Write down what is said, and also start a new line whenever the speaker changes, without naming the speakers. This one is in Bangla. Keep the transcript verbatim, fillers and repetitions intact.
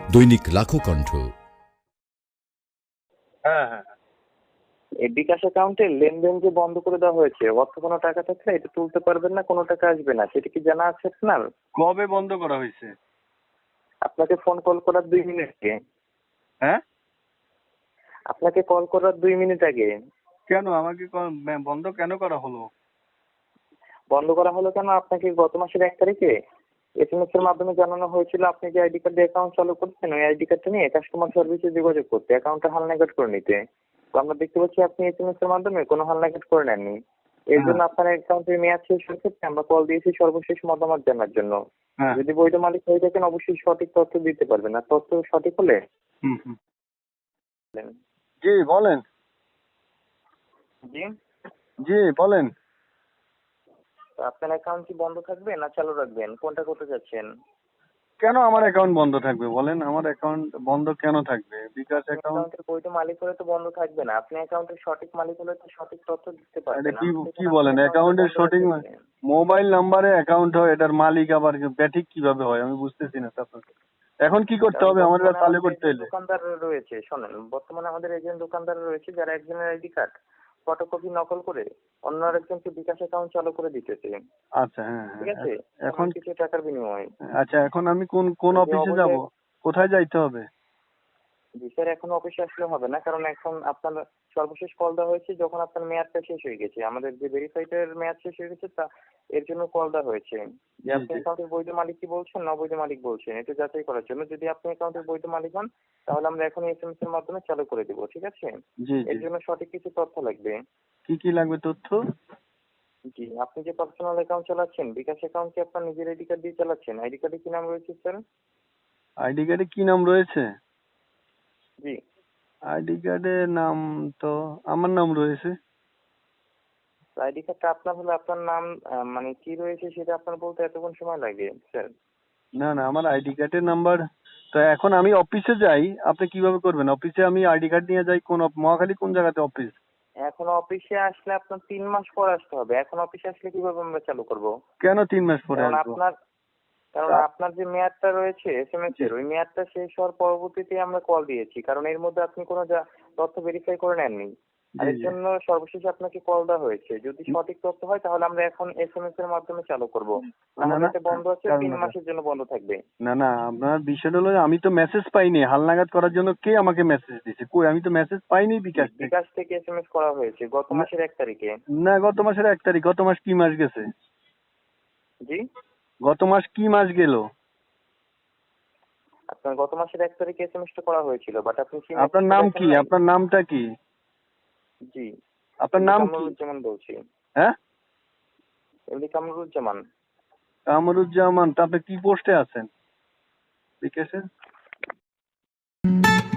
দৈনিক লাখো কণ্ঠ।
হ্যাঁ হ্যাঁ
এই বিকাশ অ্যাকাউন্টে লেনদেন যে বন্ধ করে দেওয়া হয়েছে, অর্থ কোনো টাকা থাকলে এটা তুলতে পারবেন না, কোনো টাকা আসবে না, সেটা কি জানা আছে আপনার?
কবে বন্ধ করা হয়েছে?
আপনাকে ফোন কল করার দুই মিনিট আগে।
হ্যাঁ,
আপনাকে কল করার দুই মিনিট আগে।
কেন আমাকে ক- ব- বন্ধ কেন করা হলো?
বন্ধ করা হলো কেন? আপনাকে গত মাসের এক তারিখে এস এম এস এর মাধ্যমে জানানো হয়েছিল আপনি যে আইডি কার্ড দিয়ে অ্যাকাউন্ট চালু করছেন, ওই আইডি কার্ডটা নিয়ে কাস্টমার সার্ভিসে যোগাযোগ করতে, অ্যাকাউন্টটা হালনাগাদ করে নিতে। তো আমরা দেখতে পাচ্ছি আপনি এস এম এস এর মাধ্যমে কোনো হালনাগাদ করে নেননি। এর জন্য আপনার অ্যাকাউন্টের মেয়াদ শেষ হয়ে গেছে, আমরা কল দিয়েছি সর্বশেষ মতামত জানার জন্য।
হ্যাঁ,
যদি বৈধ মালিক হয়ে থাকেন অবশ্যই সঠিক তথ্য দিতে পারবেন, আর তথ্য সঠিক হলে
হুম হুম
বলেন।
জি বলেন।
জি,
জি বলেন।
তো আপনার অ্যাকাউন্ট কি বন্ধ থাকবে না চালু রাখবেন, কোনটা করতে চাচ্ছেন?
কেন আমার অ্যাকাউন্ট বন্ধ থাকবে বলেন? আমার অ্যাকাউন্ট বন্ধ কেন থাকবে? বিকাশ
আপনি
অ্যাকাউন্ট।
অ্যাকাউন্টের বৈধ মালিক হলে তো বন্ধ থাকবে না, আপনি অ্যাকাউন্টের সঠিক মালিক হলে তো সঠিক তথ্য দিতে
এটা
পারবেন।
কি
আমরা
কি
দেখুন
বলেন?
আপনার অ্যাকাউন্টটা
অ্যাকাউন্টের
বন্ধ
সঠিক মা-
রাখতেছেন।
মোবাইল নাম্বারে অ্যাকাউন্ট হয়, এটার মালিক আবার ব্যাঠিক কিভাবে হয় আমি বুঝতেছি না তো আপনাকে। এখন কি করতে
কারণ
হবে আমার এটা
বর্তমানে
চালু
আমাদের
করতে
এজেন্ট
হলে?
দোকানদার রয়েছে, শোনেন, বর্তমানে আমাদের এজেন্ট দোকানদার রয়েছে যারা একজনের আইডি কার্ড ফটোকপি নকল করে অন্য আরেকজনকে বিকাশ অ্যাকাউন্ট চালু করে দিতেছে।
আচ্ছা, হ্যাঁ
ঠিক
হ্যাঁ
আছে,
এখন এখন
সামান্য কিছু টাকার বিনিময়ে।
আচ্ছা, এখন আমি কোন কোন
যদি
অফিসে যাব?
অবৈধ,
কোথায় যাইতে হবে?
জি স্যার, এখন অফিসে আসলে হবে না, কারণ এখন আপনার সর্বশেষ কল দেওয়া হয়েছে যখন আপনার মেয়াদটা শেষ হয়ে গেছে, আমাদের যে ভেরিফাইডের মেয়াদ শেষ হয়ে গেছে তা এর জন্য কল দেওয়া হয়েছে যে
জি
আপনি
জি
অ্যাকাউন্টের বৈধ মালিক কি বলছেন না অবৈধ মালিক বলছেন, এটা যাচাই করার জন্য। যদি আপনি অ্যাকাউন্টের বৈধ মালিক হন তাহলে আমরা এখন এস এম এস এর মাধ্যমে চালু করে দেবো, ঠিক আছে?
জি জি।
এর জন্য সঠিক কিছু তথ্য লাগবে।
কি কি লাগবে তথ্য?
জি, আপনি যে পার্সোনাল অ্যাকাউন্ট চালাচ্ছেন, বিকাশ অ্যাকাউন্ট কি আপনার নিজের আইডি কার্ড দিয়ে চালাচ্ছেন? আইডি কার্ডে কি নাম রয়েছে স্যার?
আইডি কার্ডে কি নাম রয়েছে?
জি,
আইডি কার্ডে নাম তো আমার নাম রয়েছে।
আইডি কার্ডটা আপনার হলে আপনার নাম আহ, মানে কি রয়েছে সেটা আপনার বলতে এতক্ষণ সময় লাগে স্যার?
না না, আমার আইডি কার্ডের নাম্বার তো এখন আমি অফিসে যাই, আপনি কিভাবে করবেন? অফিসে আমি আইডি কার্ড নিয়ে যাই কোন অফ- মহাখালী কোন জায়গাতে অফিস?
এখন অফিসে আসলে আপনার তিন মাস পর আসতে হবে। এখন অফিসে আসলে কিভাবে আমরা চালু করব?
কেন তিন মাস পরে
কারণ
আসবো?
আপনার কারণ
তা-
আপনার যে মেয়াদটা রয়েছে এস এম এস
জি
এর, ওই মেয়াদটা শেষ হওয়ার পরবর্তীতে আমরা কল দিয়েছি, কারণ এর মধ্যে আপনি কোনো যা তথ্য ভেরিফাই করে নেননি। আর
জি
এর
জি।
জন্য সর্বশেষ আপনাকে কল দেওয়া হয়েছে। যদি সঠিক তথ্য হয় তাহলে আমরা এখন এস এম এস এর মাধ্যমে চালু করব,
না
নাহলে
না,
এটা বন্ধ আছে,
কারণ
তিন মাসের জন্য বন্ধ থাকবে।
না না, আপনার বিষয়টা হলো আমি তো মেসেজ পাইনি হালনাগাদ করার জন্য। কে আমাকে মেসেজ দিয়েছে? কই, আমি তো মেসেজ পাইনি
জি,
বিকাশ থেকে।
বিকাশ থেকে এস এম এস করা হয়েছে গত
না
মাসের এক তারিখে।
না, গত মাসের এক তারিখ? গত মাস কি মাস গেছে?
জি,
গত মাস কি মাস গেল?
আপনার গত মাসের এক তারিখে এস এম এস টা করা হয়েছিল, বাট আপনি কি
আপনার
মেসেজটা
নাম
দেখেন
কি?
নাই?
আপনার নামটা কি?
জি,
আপনার
এমডি
নাম কি?
কামরুজ্জামান বলছি।
হ্যাঁ,
এমডি কামরুজ্জামান।
কামরুজ্জামান। তা আপনি কি পোস্টে আছেন বিকাশে?